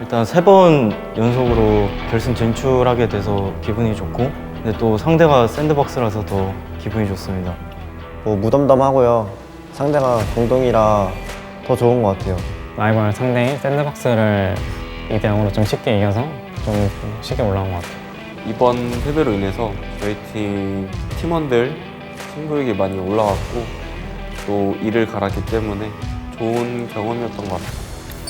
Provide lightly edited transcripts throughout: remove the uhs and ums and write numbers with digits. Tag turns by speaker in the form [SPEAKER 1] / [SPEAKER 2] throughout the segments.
[SPEAKER 1] 일단 3번 연속으로 결승 진출하게 돼서 기분이 좋고, 근데 또 상대가 샌드박스라서 더 기분이 좋습니다.
[SPEAKER 2] 뭐 무덤덤하고요. 상대가 동동이라 더 좋은 것 같아요.
[SPEAKER 3] 라이벌 상대인 샌드박스를 2대 0으로 좀 쉽게 이겨서 좀 쉽게 올라온 것 같아요.
[SPEAKER 4] 이번 패배로 인해서 저희 팀 팀원들 승부욕이 많이 올라왔고 또 이를 갈았기 때문에 좋은 경험이었던 것 같아요.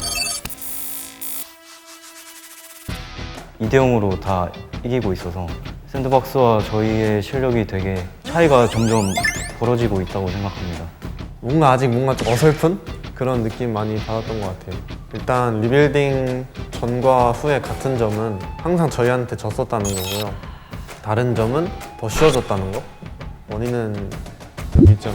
[SPEAKER 1] 2대 0으로 다 이기고 있어서 샌드박스와 저희의 실력이 되게 차이가 점점 벌어지고 있다고 생각합니다.
[SPEAKER 5] 뭔가 좀 어설픈 그런 느낌 많이 받았던 것 같아요. 일단 리빌딩 전과 후의 같은 점은 항상 저희한테 졌었다는 거고요. 다른 점은 더 쉬워졌다는 거. 원인은 여기 있죠.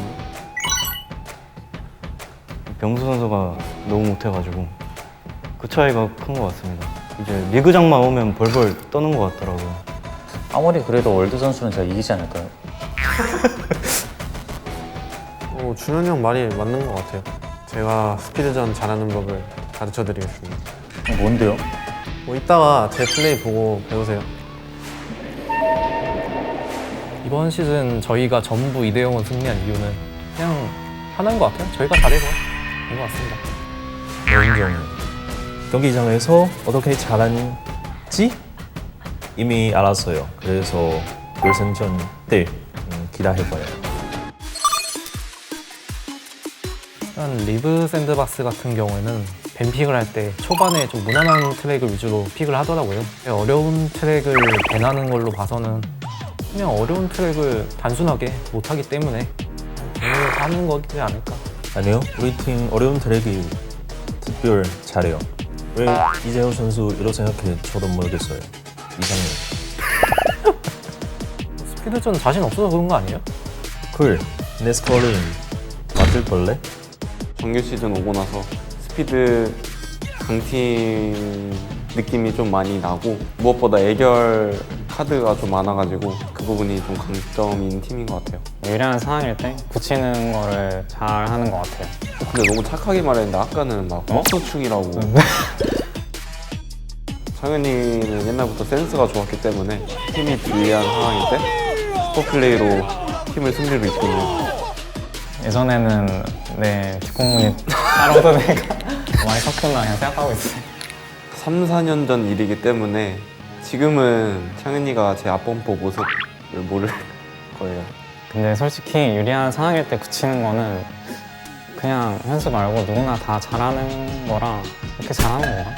[SPEAKER 1] 병수 선수가 너무 못해가지고 그 차이가 큰 것 같습니다. 이제 리그장만 오면 벌벌 떠는 것 같더라고요.
[SPEAKER 6] 아무리 그래도 월드 선수는 제가 이기지 않을까요?
[SPEAKER 5] 준현이 형 말이 맞는 것 같아요. 제가 스피드전 잘하는 법을 가르쳐 드리겠습니다.
[SPEAKER 6] 뭔데요?
[SPEAKER 5] 뭐 이따가 제 플레이 보고 배우세요.
[SPEAKER 7] 이번 시즌 저희가 전부 2대 0으로 승리한 이유는 그냥 하나인 것 같아요. 저희가 잘해서 된 것 같습니다.
[SPEAKER 8] 인정. 경기장에서 어떻게 잘하는지 이미 알았어요. 그래서 결승전 때 기대해봐요.
[SPEAKER 7] 일단 리브 샌드박스 같은 경우에는 밴픽을 할 때 초반에 좀 무난한 트랙을 위주로 픽을 하더라고요. 어려운 트랙을 밴하는 걸로 봐서는 그냥 어려운 트랙을 단순하게 못하기 때문에 오늘 하는 거지 않을까.
[SPEAKER 8] 아니요, 우리 팀 어려운 트랙이 특별 잘해요. 왜 이재호 선수 이렇게 생각해? 저도 모르겠어요. 이상해요.
[SPEAKER 7] 스피드전 자신 없어서 그런 거 아니에요?
[SPEAKER 8] 내 스코어는 맞을 걸래?
[SPEAKER 4] 정규 시즌 오고 나서 스피드 강팀 느낌이 좀 많이 나고 무엇보다 애결 카드가 좀 많아가지고 그 부분이 좀 강점인 팀인 것 같아요.
[SPEAKER 3] 유리한 상황일 때 붙이는 거를 잘 하는 것 같아요.
[SPEAKER 4] 근데 너무 착하게 말했는데 아까는 막 헛소충이라고. 창현이는 옛날부터 센스가 좋았기 때문에 팀이 유리한 상황일 때 슈퍼플레이로 팀을 승리로 이끄는.
[SPEAKER 3] 예전에는 뒷공문이 따라오더니까 많이 컸구나 그냥 생각하고 있어요.
[SPEAKER 4] 3, 4년 전 일이기 때문에 지금은 창현이가 제 앞범퍼 모습을 모를 거예요.
[SPEAKER 3] 근데 솔직히 유리한 상황일 때 붙이는 거는 그냥 현수 말고 누구나 다 잘하는 거라 그렇게 잘하는 건가?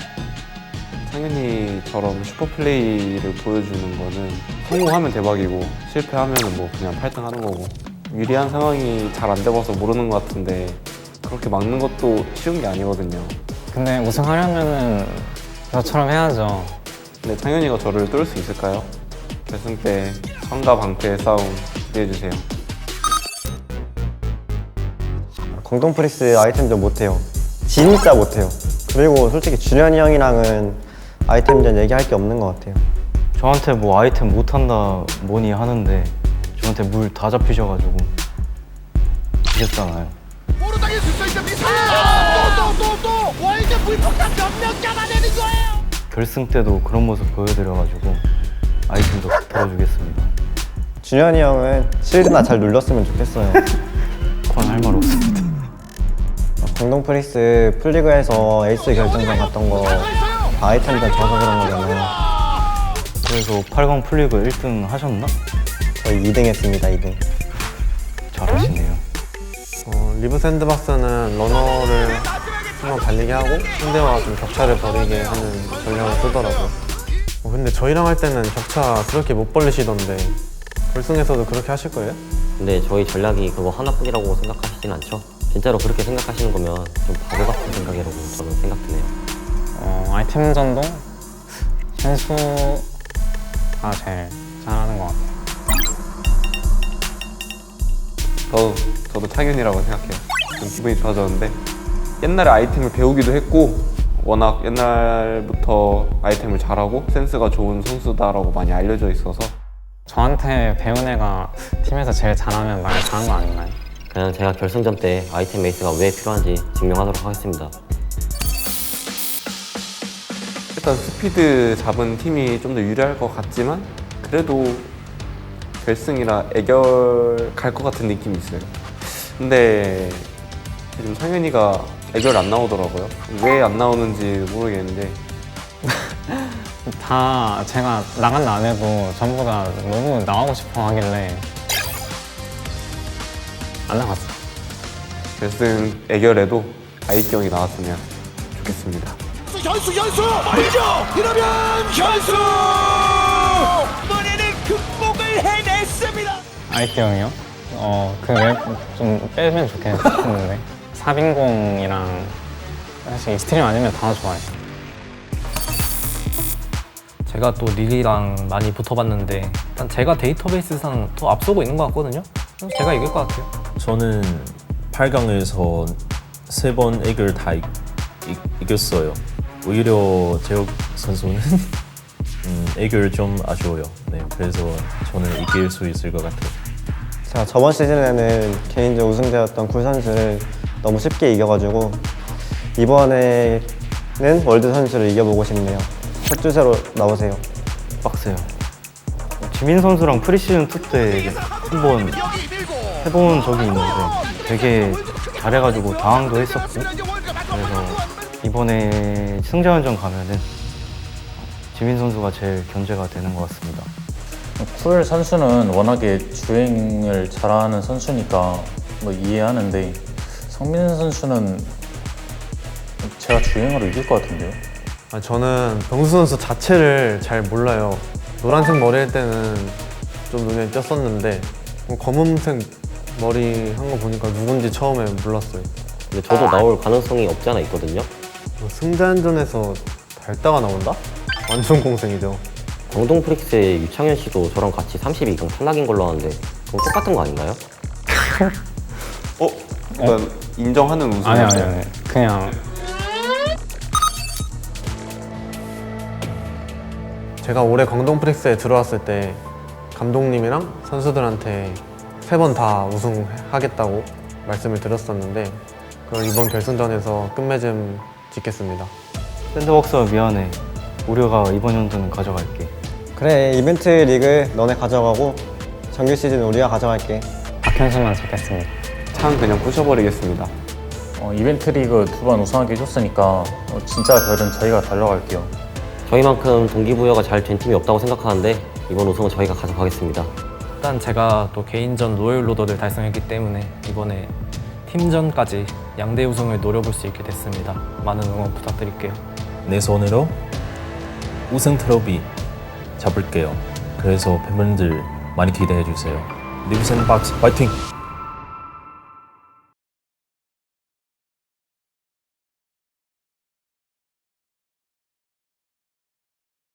[SPEAKER 4] 창현이처럼 슈퍼플레이를 보여주는 거는 성공하면 대박이고 실패하면 뭐 그냥 8등 하는 거고 유리한 상황이 잘 안 돼봐서 모르는 것 같은데 그렇게 막는 것도 쉬운 게 아니거든요.
[SPEAKER 3] 근데 우승하려면은 저처럼 해야죠.
[SPEAKER 4] 근데 창현이가 저를 뚫을 수 있을까요? 결승 때 성과 방패의 싸움 기대해주세요.
[SPEAKER 2] 공동 프리스 아이템전 못해요. 진짜 못해요. 그리고 솔직히 준현이 형이랑은 아이템전 얘기할 게 없는 것 같아요.
[SPEAKER 1] 저한테 뭐 아이템 못한다 뭐니 하는데 저한테 물 다 잡히셔가지고 이겼잖아요.
[SPEAKER 9] 모르당길 수 있는 미사일! 또! 월드 불폭탄 몇명 잡아내는 거예요!
[SPEAKER 1] 결승 때도 그런 모습 보여드려가지고 아이템도 덜어주겠습니다.
[SPEAKER 2] 준현이 형은 실드나 잘 눌렀으면 좋겠어요.
[SPEAKER 1] 그건 할 말 없습니다.
[SPEAKER 2] 공동 프리스 풀리그에서 에이스 결정전 갔던 거 다 아이템전 져서 그런 거잖아요.
[SPEAKER 1] 그래서 8강 풀리그 1등 하셨나?
[SPEAKER 2] 저희 2등 했습니다, 2등.
[SPEAKER 1] 잘하시네요.
[SPEAKER 5] 리브 샌드박스는 러너를 한번 달리게 하고 상대와 좀 격차를 벌이게 하는 전략을 쓰더라고요. 근데 저희랑 할 때는 격차 그렇게 못 벌리시던데 결승에서도 그렇게 하실 거예요?
[SPEAKER 10] 근데 저희 전략이 그거 하나뿐이라고 생각하시진 않죠? 진짜로 그렇게 생각하시는 거면 좀 바보 같은 생각이라고 저는 생각드네요.
[SPEAKER 3] 아이템전도 현수가 제일 잘하는 것 같아요.
[SPEAKER 4] 저도 창현이라고 생각해요. 좀 기분이 좋아졌는데 옛날에 아이템을 배우기도 했고 워낙 옛날부터 아이템을 잘하고 센스가 좋은 선수다라고 많이 알려져 있어서
[SPEAKER 3] 저한테 배운 애가 팀에서 제일 잘하면 말 잘한 거 아닌가요?
[SPEAKER 10] 그냥 제가 결승전 때 아이템 에이스가 왜 필요한지 증명하도록 하겠습니다.
[SPEAKER 4] 일단 스피드 잡은 팀이 좀 더 유리할 것 같지만 그래도 결승이라 애결 갈 것 같은 느낌이 있어요. 근데 지금 상현이가 애결 안 나오더라고요. 왜 안 나오는지 모르겠는데
[SPEAKER 3] 다 제가 나간다 안 해도 전부 다 너무 나가고 싶어 하길래 안 나갔어.
[SPEAKER 4] 결승 애결에도 아이티 형이 나왔으면 좋겠습니다.
[SPEAKER 9] 현수 말이죠. 이러면 현수 이번에는 극복을 해냈습니다.
[SPEAKER 3] 아이티 형이요? 좀 빼면 좋겠는데. 사빈공이랑 사실 익스트림 아니면 다 좋아해.
[SPEAKER 7] 제가 또 릴이랑 많이 붙어봤는데 일단 제가 데이터베이스상 더 앞서고 있는 것 같거든요. 그래서 제가 이길 것 같아요.
[SPEAKER 8] 저는 8강에서 3번 애결 다 이겼어요. 오히려 재혁 선수는 애결 좀 아쉬워요. 네, 그래서 저는 이길 수 있을 것 같아요.
[SPEAKER 2] 제가 저번 시즌에는 개인전 우승자였던 굴 선수를 너무 쉽게 이겨가지고 이번에는 월드 선수를 이겨보고 싶네요. 첫 주제로 나오세요.
[SPEAKER 1] 빡세요. 지민 선수랑 프리시즌 2 때 한번 해본 적이 있는데 되게 잘해가지고 당황도 했었고, 그래서 이번에 승자원전 가면은 지민 선수가 제일 견제가 되는 것 같습니다.
[SPEAKER 6] 쿨 선수는 워낙에 주행을 잘하는 선수니까 뭐 이해하는데 성민 선수는 제가 주행으로 이길 것 같은데요?
[SPEAKER 5] 저는 병수 선수 자체를 잘 몰라요. 노란색 머리 할 때는 좀 눈에 띄었었는데 검은색 머리 한 거 보니까 누군지 처음에 몰랐어요.
[SPEAKER 10] 근데 저도 나올 가능성이 없지 않아 있거든요.
[SPEAKER 5] 승자전에서 달다가 나온다? 완전 공생이죠.
[SPEAKER 10] 광동 프릭스의 유창현 씨도 저랑 같이 32강 탈락인 걸로 아는데 그럼 똑같은 거 아닌가요?
[SPEAKER 4] 일단 인정하는 우승이었어요.
[SPEAKER 3] 아니. 그냥
[SPEAKER 5] 제가 올해 광동 프릭스에 들어왔을 때 감독님이랑 선수들한테 3번 다 우승하겠다고 말씀을 드렸었는데 그걸 이번 결승전에서 끝맺음 짓겠습니다.
[SPEAKER 1] 샌드박스가 미안해. 우리가 이번 연도는 가져갈게.
[SPEAKER 2] 그래, 이벤트 리그 너네 가져가고 정규 시즌 우리가 가져갈게.
[SPEAKER 3] 박현수만 잡겠습니다.
[SPEAKER 4] 창 그냥 부셔버리겠습니다.
[SPEAKER 6] 이벤트 리그 2번 우승하게 해줬으니까 진짜 별은 저희가 달려갈게요.
[SPEAKER 10] 저희만큼 동기부여가 잘 된 팀이 없다고 생각하는데 이번 우승은 저희가 가져가겠습니다.
[SPEAKER 7] 일단 제가 또 개인전 로열 로더를 달성했기 때문에 이번에 팀전까지 양대 우승을 노려볼 수 있게 됐습니다. 많은 응원 부탁드릴게요.
[SPEAKER 8] 내 손으로 우승 트로피 잡을게요. 그래서 팬분들 많이 기대해 주세요. 리브 샌드박스 파이팅!